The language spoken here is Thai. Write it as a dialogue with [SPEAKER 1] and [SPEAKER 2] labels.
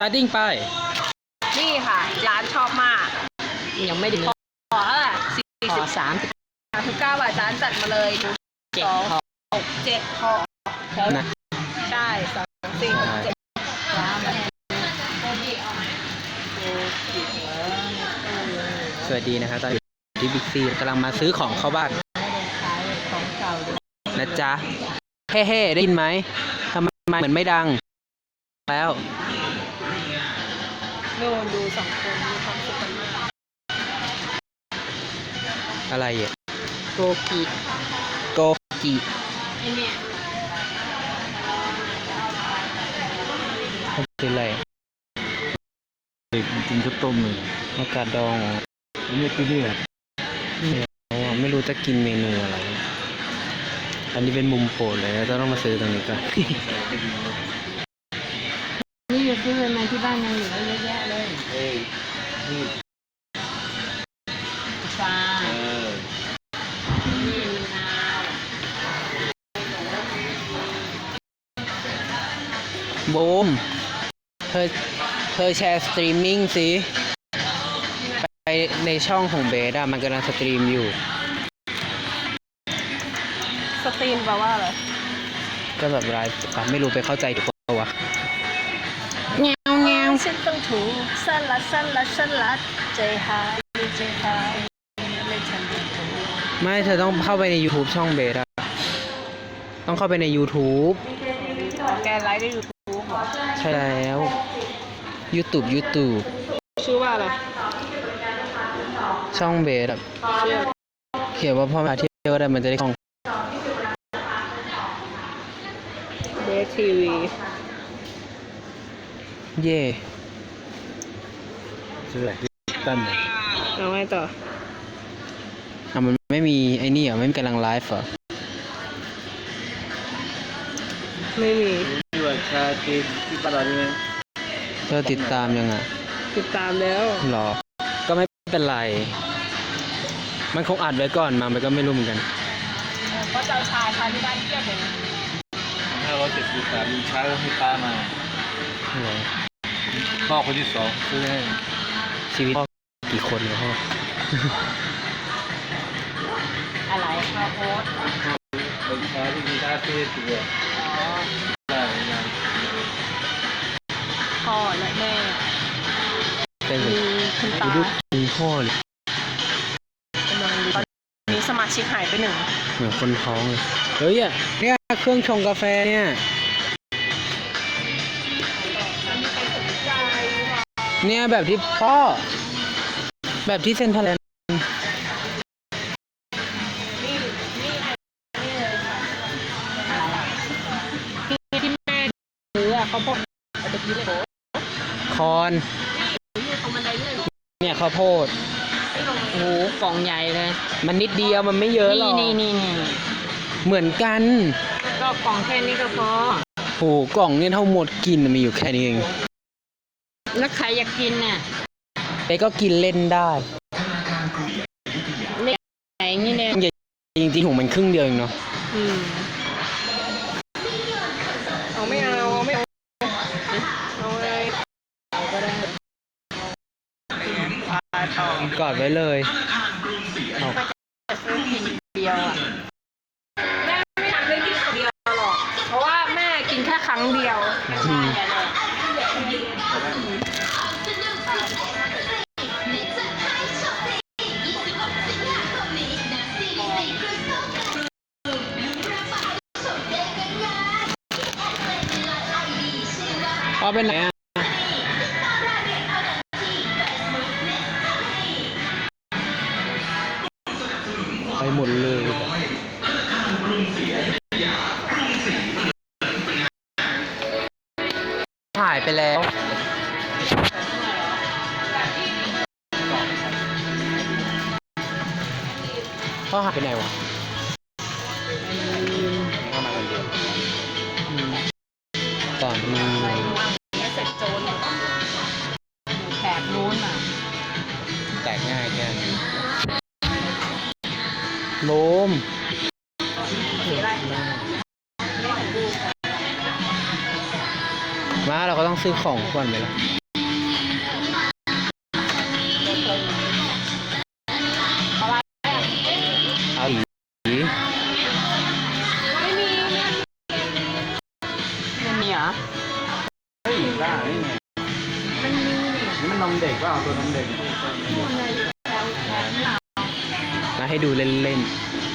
[SPEAKER 1] ตาดิ้งไป
[SPEAKER 2] นี่ค่ะร้านชอบมาก
[SPEAKER 1] ยังไม่ถึง
[SPEAKER 2] ขอละ39 บาทร้านจัดมาเลย2 6 7 ห่อ
[SPEAKER 1] นะ
[SPEAKER 2] ใช่2 4 6 7
[SPEAKER 1] สวัสดีนะครับตอนที่บิ๊กซีกำลังมาซื้อของเข้าบ้านนะจ๊ะเฮ้ได้ยินไหมทำไมเหมือนไม่ดังแล้ว
[SPEAKER 2] โน่นดู2 คนมีความสุขกันมาก
[SPEAKER 1] อะไรอ่ะ
[SPEAKER 2] โกกิไอเนี่ย
[SPEAKER 1] เป็นอะไร
[SPEAKER 3] กินข้าวต้มเลย
[SPEAKER 1] อากาศดอง
[SPEAKER 3] นี่คือเนี่ย
[SPEAKER 1] ไม่รู้จะกินเมนูอะไรอันนี้เป็นมุมโปรดเลยต้องมาซื้อตรงนี้ก่อน
[SPEAKER 2] นี่จะซื้อมาที่บ้านยังเหลือเยอะแยะเลย
[SPEAKER 3] นี่
[SPEAKER 2] ฟ้านี่นาว
[SPEAKER 1] บูมเธอแชร์สตรีมมิ่งสิไปในช่องของเบสอะมันกำลังสตรีมอยู่
[SPEAKER 2] สตรีมแปลว่าอะไร
[SPEAKER 1] ก็แบบไลฟ์ไม่รู้ไปเข้าใจถูกปะวะ
[SPEAKER 2] เงี้ยวฉันต้องถูกสลัดใจหายไม่ทันถูก
[SPEAKER 1] ไม่เธอต้องเข้าไปใน YouTube ช่องเบสอะต้องเข้าไปใน YouTube
[SPEAKER 2] แกไลฟ์ใน YouTube เหรอ
[SPEAKER 1] ใช่แล้ว YouTube
[SPEAKER 2] ชื่อว่าอะไร
[SPEAKER 1] ช่องเบสอะเขียนว่าพ่อแม่เที่ยวได้มันจะได้คล่อง
[SPEAKER 2] เบสทีวี
[SPEAKER 1] เย่
[SPEAKER 3] ชื่ออะไรตั้น
[SPEAKER 2] เอาไงต่อ
[SPEAKER 1] มันไม่มีไอ้นี่เหรอไม่มีกำลังไลฟ์เหรอ
[SPEAKER 2] ไม่มี
[SPEAKER 3] ชื่อว่าชาติที่ปาราดีไหม
[SPEAKER 1] เธอติดตามยังไง
[SPEAKER 2] ติดตามแล้ว
[SPEAKER 1] หรอก็ไม่เป็นไรมันคงอัดไว้ก่อนมามันก็ไม่รู้เหมือนกัน
[SPEAKER 2] ก็เจ้าชายที่บ้านเที่ยวผม
[SPEAKER 3] 573มีช้าก็ให้ป้ามาพ่อคนที่2ซื้อให้
[SPEAKER 1] ชีวิตพ่อกี่คนเนี่ยพ่อ
[SPEAKER 2] อะไรข้าวโพด
[SPEAKER 3] เป็นช้าที่มีท่าเท่ตัวได้งาน
[SPEAKER 2] พ่อและแม่
[SPEAKER 1] มี
[SPEAKER 2] คุณตา
[SPEAKER 1] มีพ่อเลย
[SPEAKER 2] กำลังตอนนี้สมาชิกหายไป1
[SPEAKER 1] เหมือนคนท้องเลยเฮ้ยเนี่ยเครื่องชงกาแฟเนี่ยแบบที่พ่อแบบที่เซ็นทรัลแลนด์
[SPEAKER 2] ที่แม่ซื้อเขาพดตะกี้เลย
[SPEAKER 1] คอนเนี่ยข้าวโพด
[SPEAKER 2] โอ้กล่องใหญ่เลย
[SPEAKER 1] มันนิดเดียวมันไม่เยอะหรอก
[SPEAKER 2] นี่
[SPEAKER 1] เหมือนกัน
[SPEAKER 2] ก็กล่องแค่นี้ก็พอ
[SPEAKER 1] โหกล่องเนี่ยเท่าหมดกินมีอยู่แค่นี้เอง
[SPEAKER 2] แล้วใครอยากกินน่ะ
[SPEAKER 1] เป๊ก็กินเล่นได้
[SPEAKER 2] เล็กใหญ่นี่เนี่ย
[SPEAKER 1] จริงๆของมันครึ่งเดียวเองเนาะ
[SPEAKER 2] เอาไม่เอาเลยเอาก็ได้
[SPEAKER 1] กอดไว้เลย
[SPEAKER 2] ก็จะซื้อกินเดียวอ่ะแม่ไม่ทำได้กินเดียวหรอกเพราะว่าแม่กินแค่ครั้งเดียว
[SPEAKER 1] พ่อเป็นไหนไปหมดเลยหายไปแล้วพ่อหายไปไหนวะเข้ามาคนเดียวตอนนี้
[SPEAKER 2] เสร็จโจนแตกนู้นอ่ะ
[SPEAKER 1] แตกง่ายแค่นี้โลมมาเราก็ต้องซื้อของก่อนไหมล่ะเอาหลี
[SPEAKER 2] ไม่มีเหรอ
[SPEAKER 3] เฮ้ยได้นี่ไง
[SPEAKER 2] มันมีนี่
[SPEAKER 3] นี่มันนมเด็กว่าเอาตัวนมเด็ก
[SPEAKER 2] อยู่ในแถวหลัง
[SPEAKER 1] มาให้ดูเล่น